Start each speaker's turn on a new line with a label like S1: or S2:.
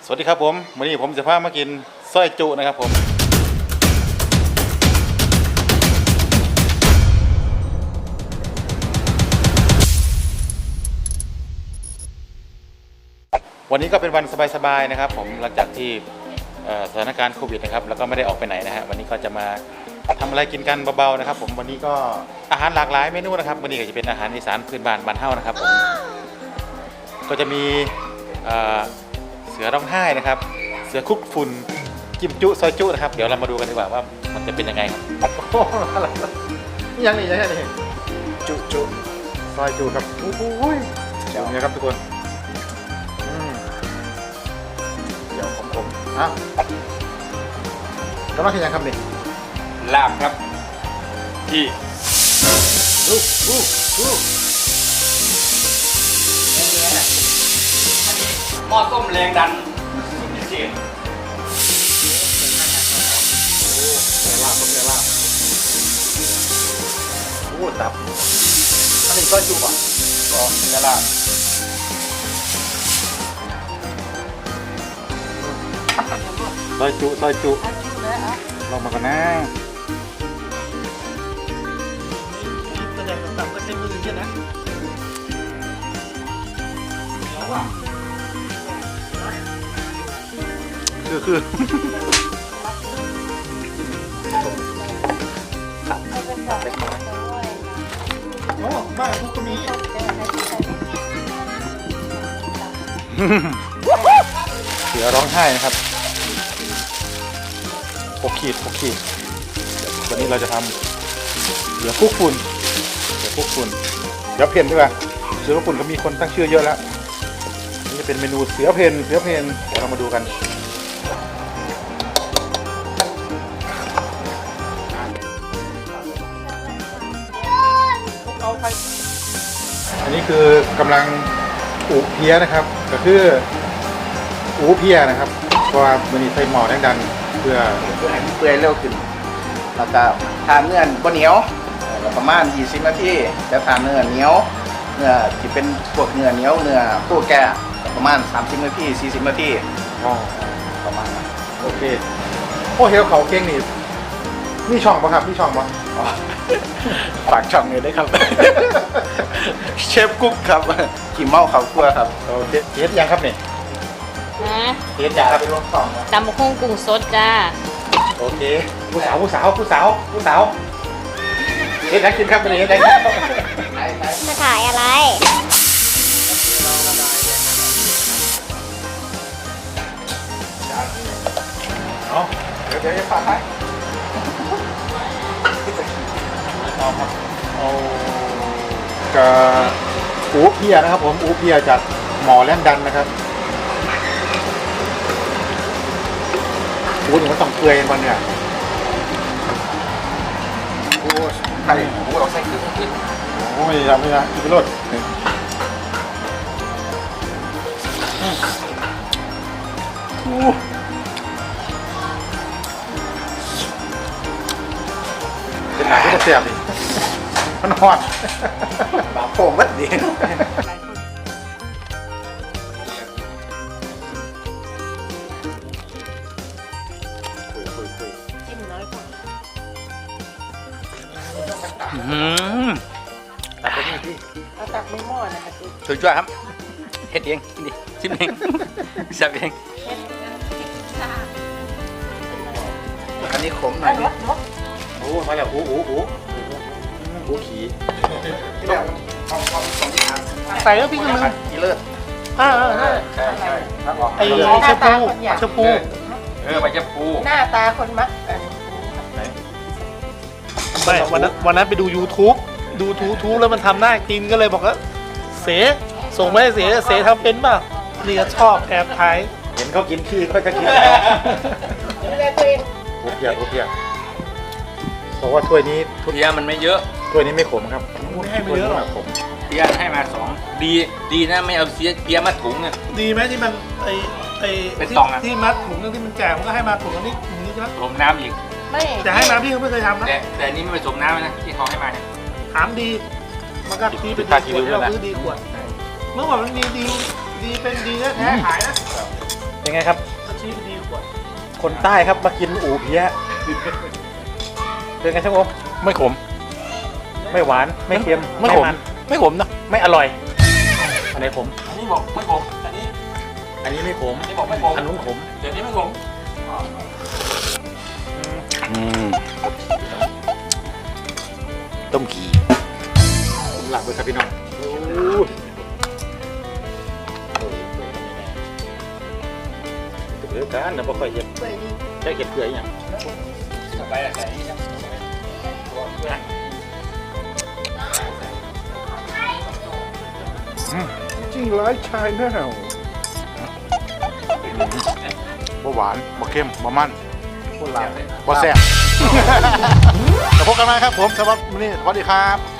S1: สวัสดีครับผมวันนี้ผมจะพามากินสร้อยจุนะครับผมวันนี้ก็เป็นวันสบายๆนะครับผมหลังจากที่สถานการณ์โควิดนะครับแล้วก็ไม่ได้ออกไปไหนนะฮะวันนี้ก็จะมาทำอะไรกินกันเบาๆนะครับผมวันนี้ก็อาหารหลากหลายเมนูนะครับวันนี้ก็จะเป็นอาหารอีสานพื้นบ้านบ้านเฮานะครับผมก็จะมีเสือร้องไห้นะครับเสือคุกฝุ่นจิ้มจุซอยจุนะครับเดี๋ยวเรามาดูกันดีกว่าว่ามันจะเป็นยังไงครับโอ้โหอะไรนี่ยังนี่จุซอยจุครับโอ้โหเดี๋ยวนี้ครับทุกคนเดี๋ยวผมอ้าวแล้วมากินยังครับนี่
S2: ลาบครับที่หม้อต้มแรงดันพิเศษ
S1: ลาบโอ้ตับอันนี้ก็จุบอ่ะก็เนื้อลาบซอยจุลองมากันนะแสดงต่างๆก็ใช้มือใช่ไหมคือโอ้บ้านทุกคนมีเสือร้องไห้นะครับ6 ขีดวันนี้เราจะทำเสือคุกฝุ่นเดี๋ยวเพนดีกว่าเสือคุกฝุ่นก็มีคนตั้งชื่อเยอะแล้วนี่จะเป็นเมนูเสือเพนเดี๋ยวเรามาดูกันอันนี้คือกำลังอูเพียนะครับก็คืออูเพียนะครับเพราะว่ามันมีไฟหม้อแรงดันเพื่อ
S3: ให้เปื่อยเร็วขึ้นแล้วก็ทานเนื้อบ่เหนียวประมาณ20 นาทีจะทานเนื้อเหนียวเนื้อที่เป็นพวกเนื้อเหนียวเนื้อผู้แก่ประมาณ30 นาที40 นาทีประมาณนั้น
S1: โอเคโอ้เฮลเขาเก่งนี่มีช่องป่ะครับมีช่องป่ะ
S3: ฝากช่องเลยได้ครับ เชฟกุ๊กครับขี่เมาเขาคั่วครับ
S1: เทสยังครับนี่เทสยังครับเป็นรสสอง
S4: ตำบักหุ่งกุ้งสดจ้า
S1: โอเคผู้สาวเทสยังกินครับวันนี้ได้
S4: มาถ่ายอะไร
S1: เอาเดี๋ยวจะฝากให้เอาครับเอากระอูเพียนะครับผมอูเพียจากหมอแล่นดันนะครับอูนี่มันต้องเปื่อยมันเนี่ย
S3: โอ้ใช่โอ้เราใส่คือขึ้น
S1: โอ้ยทำไม่ได้อีกรสเป็นหนังที่จะเสียบดิมันหอด
S3: บาโป่งมัดดี
S4: เอาตักไม่หม้อนะคะ
S2: ช่วยครับเฮ็ดเองดิชิมเองสับเอง
S3: อันนี้ขมหน่อย
S1: โอ้มาแล้วอูขี่
S4: ใส่แล้วพี่กำลัง
S3: กิเลิศ
S4: ใช่ไอ้ชมพู
S2: ไปจะปู
S4: หน้าตาคนมัก
S5: ไม่วันนั้นไปดู YouTube แล้วมันทำหน้ากินก็เลยบอกว่าเสส่งไปให้เสทำเป็นป่ะนี่ก็ชอบแอบถ่าย
S1: เห็นเขากินขี้ก็จะกินอูเพียบอกว่าถ้วยนี้
S2: เพียมันไม่เยอะ
S1: ถ้วยนี้ไม่ขมครับ
S5: ไม่ให้ไม่เยอะหรอก
S1: ผม
S2: เพียให้มา2ดีนะไม่เอาเพียมาถุงอ่ะ
S5: ดีไหมที่มัน
S2: เป็นตองอ่ะ
S5: ที่มัดถุงนึงที่มันแจกมันก็ให้มาถุงนี้ใช่ไหม
S2: ผสมน้ำอีก
S4: ไม่
S5: แต่ให้มาพี่เขาไม่เคยทำนะ
S2: แต่นี่ไม่ผสมน้ำนะที่เขาให้มาเนี่ย
S5: ถามดีมันก็ดีเป็นขวดที่เราซื้อดีขวดเมื่อก่อนมันมีดีเป็นดีแท้ขายนะ
S1: เป็นไงครับ
S5: ชี้ดีกว่า
S1: คนใต้ครับมากินอู่เพี้ยเป็นไงช่างโอมไม่ขม ไม่หวานไม่เค็ม
S2: ไม่ขม
S1: มัน
S2: ไม่ขมนะ
S1: ไม่อร่อย อันไหนขม
S2: อันนี้บอกไม่ขมอันนี้
S1: อันนี้ไม่ขม
S2: อันนี้บอกไม่ขม
S1: อันนู้นขม
S2: เดี๋ยวนี้ไม่ขม
S1: ต้มขี่ผมหลับเลยครับพี่น้องเดือดกันนะบ่ค่อยเห็นได้เห็ดเกลืออย่าง
S2: ไปอะไร
S3: จริงร้ายชายแน่
S1: บ่หวานบ่เข้มบ่มัน
S3: คนลาว
S1: บ่แซ่บ แล้วพบกันใหม่ครับผมสำหรับวันนี้สวัสดีครับ